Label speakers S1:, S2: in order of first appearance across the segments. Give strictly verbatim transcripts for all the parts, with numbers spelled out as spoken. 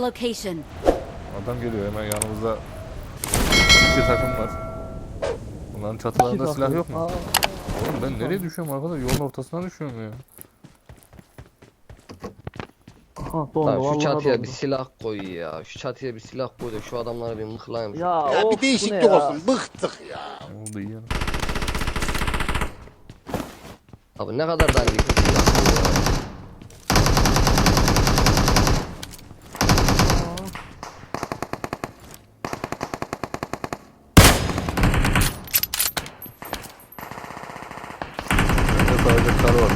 S1: a location.
S2: Adam geliyor hemen yanımızda. İki takım var. Bunların çatılarında
S3: İki
S2: silah
S3: takım.
S2: yok mu?
S3: Aa,
S2: Oğlum ben nereye düşüyorum arkadaş? Yolun ortasına düşüyorum ya.
S3: aha, dondu,
S4: Lan şu
S3: vallahi
S4: çatıya
S3: dondu.
S4: bir silah koy ya. Şu çatıya bir silah koy da şu adamları bir mıhlayayım.
S3: Ya,
S5: Ya
S3: of,
S5: bir
S3: bu
S5: değişiklik
S3: ne ya?
S5: olsun. Bıktık ya.
S2: Oldu iyi yani.
S4: Abi ne kadar dandik bir silah bu ya.
S2: Bende sadece kar var.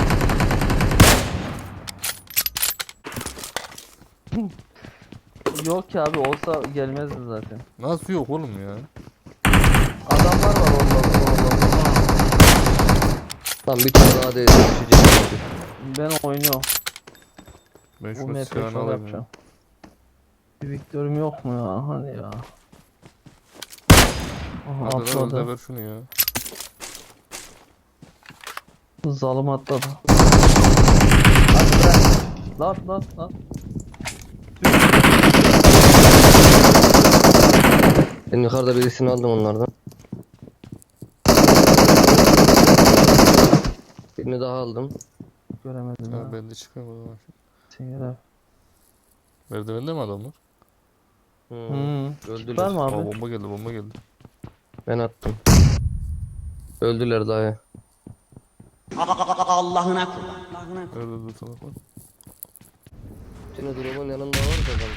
S3: Yok ki abi, olsa gelmezdi zaten.
S2: Nasıl yok oğlum ya?
S3: Adamlar var orada, orada.
S4: Lan bir tane daha değil. Düşecek.
S3: Ben oynuyorum.
S2: Ben
S3: Bu
S2: şu
S3: map'e
S2: silahını
S3: şunu
S2: alayım
S3: yapacağım.
S2: ya.
S3: Bir Victor'um yok mu ya? Hadi ya. Aha,
S2: Hadi lan önde
S3: atladı.
S2: ver şunu ya.
S3: Zalim atladı. Hadi bırak. Lan lan lan.
S4: Ben yukarıda birisini aldım onlardan. Birini daha aldım.
S3: Göremedim ya.
S2: Ha, ben de çıkıyorum o zaman.
S3: Sen göre.
S2: Merdivende mi adamlar?
S4: Hmm.
S3: Hmm.
S4: Öldüler.
S3: Var mı
S2: Aa,
S3: abi?
S2: bomba geldi bomba geldi.
S4: Ben attım. Öldüler dayı.
S5: Allah'ına kurban. Allah'ına kurban.
S2: Nerede dur salak var?
S4: Şimdi durumun yanında var da adam.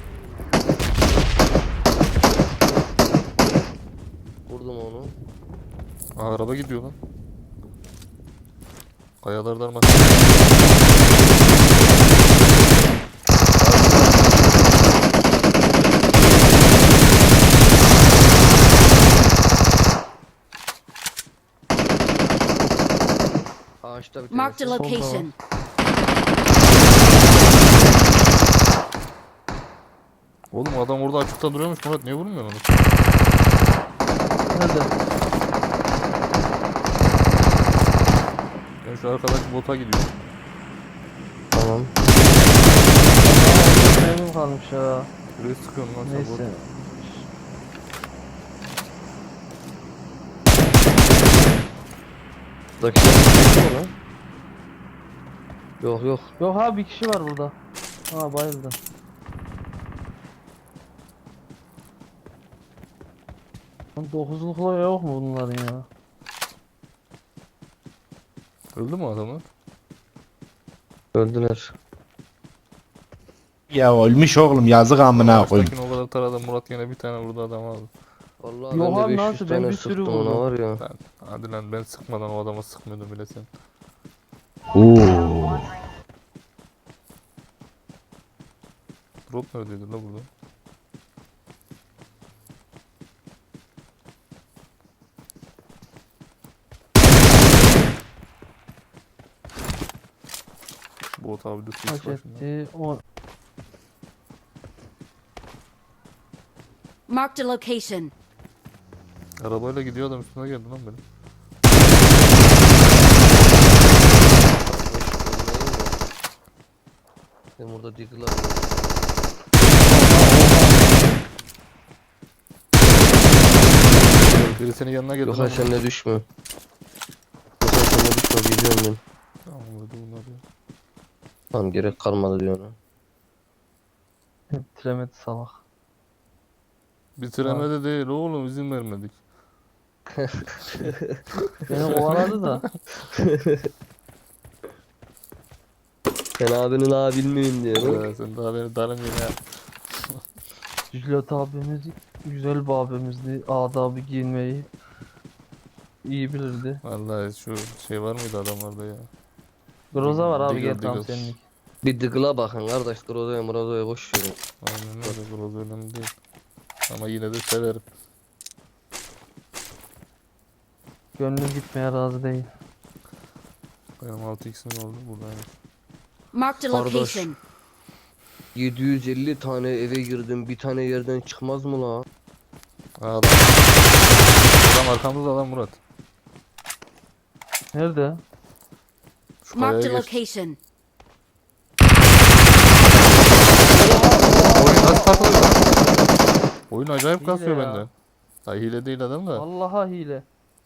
S4: Vurdum onu.
S2: Aa, araba gidiyor lan. Kayalardan bak.
S4: Ağaçta bir
S1: Marked a
S4: tanesi.
S1: location.
S2: Oğlum adam orada açıkta duruyormuş Murat, niye vurmuyorsun onu?
S3: Nerede?
S2: Ben şu arkadaş bota gidiyorum.
S4: Tamam.
S3: Memnun kalmış ya.
S2: Buraya sıkıyorum lan sen bot.
S3: Neyse.
S4: Buradaki şey mi lan? Yok yok.
S3: Yok abi, bir kişi var burada. Ha, bayıldı. Dokuzlukla yok mu bunların ya?
S2: Öldü mü adamlar?
S4: Öldüler.
S6: Ya ölmüş oğlum, yazık amına koyayım.
S2: Baştakini o kadar taradı, Murat yine bir tane vurdu adam aldı.
S4: Vallahi
S3: Yok
S4: ben
S3: abi,
S4: de
S3: nasıl?
S4: beş yüz
S3: Ben
S4: tane
S3: bir sürü
S4: sıktım ona
S3: vurdum.
S4: var ya.
S2: Ben, hadi lan ben sıkmadan o adama sıkmıyordum bile sen.
S6: Oo.
S2: Drop neredeydi la burada? Bot abi de sis
S3: Kaç
S2: başında.
S3: etti? O
S1: Marked a location.
S2: Arabayla gidiyor adam, üstüne geldi lan benim.
S4: Ben burada diggle
S2: Biri senin yanına geldi.
S4: Yok
S2: lan.
S4: ha sen de düşme. Yok ha sen de düşme biliyorum ben.
S2: Tamam öldü bunlar ya.
S4: Tamam gerek kalmadı diyor ona.
S3: bitiremedi salak.
S2: Bitiremedi değil oğlum, izin vermedik.
S3: Beni kovaladı da.
S4: Sen abinin abi bilmiyorum diyor.
S2: Ee, sen daha beni darım yine.
S3: Jület abimiz güzel bir abimizdi. Adabı giyinmeyi iyi bilirdi.
S2: Vallahi şu şey var mıydı adamlarda ya?
S3: Groza var abi,
S2: Diggle,
S3: gel tam
S2: diggle.
S3: senlik.
S4: Bir diggle'a bakın kardeş. Grozo'ya Murazo'ya boş verin.
S2: Aynen öyle, biraz önemli değil. Ama yine de severim.
S3: Gönlüm gitmeye razı değil.
S2: Benim altı x'im oldu buradaymış.
S1: Marked a
S4: Kardeş.
S1: location.
S4: yedi yüz elli tane eve girdim. Bir tane yerden çıkmaz mı la?
S2: Aa, adam. Adam arkamızda lan Murat.
S3: Nerede?
S2: Şu kayaya
S1: Marked a
S2: geç.
S1: location.
S2: Nasıl takılıyor lan? Oyun acayip
S3: Hile
S2: kasıyor
S3: ya.
S2: bende. Ha hile değil adam da.
S3: Vallahi hile.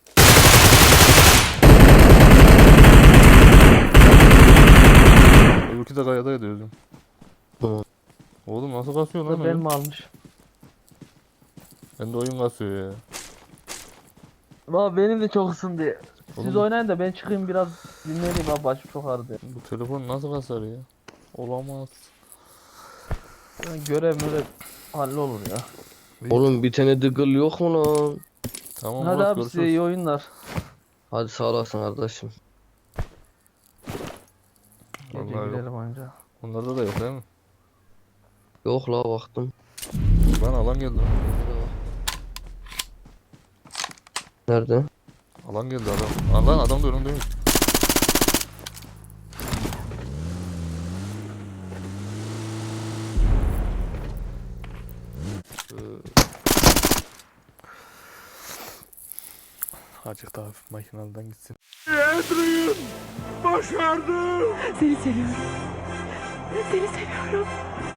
S2: Öbürkü de kayada ediyoruz.
S4: Hı.
S2: Oğlum nasıl kasıyor lan
S3: Da ben
S2: oyun?
S3: mi almış?
S2: Bende oyun kasıyor ya.
S3: Valla benim de çok ısındı. Siz
S2: Oğlum-
S3: oynayın da ben çıkayım biraz dinleneyim abi, başım çok ağrıdı.
S2: Bu telefon nasıl kasar ya? Olamaz.
S3: Yani görev mörev hallolur ya.
S4: Oğlum bir tane dıgıl yok mu lan?
S2: Tamam
S3: Hadi
S2: Murat,
S3: abi size
S2: görüşürüz.
S3: iyi oyunlar.
S4: Hadi sağ olasın kardeşim.
S3: Gece
S2: Vallahi yok.
S3: gidelim anca.
S2: Onlarda da yok değil mi?
S4: Yok la baktım.
S2: Lan alan geldi lan.
S4: Nerede?
S2: Alan geldi adam. Aa, lan adam da önümdeymiş. Azıcık daha hafif makinalıdan gitsin.
S1: Seni seviyorum. Seni seviyorum.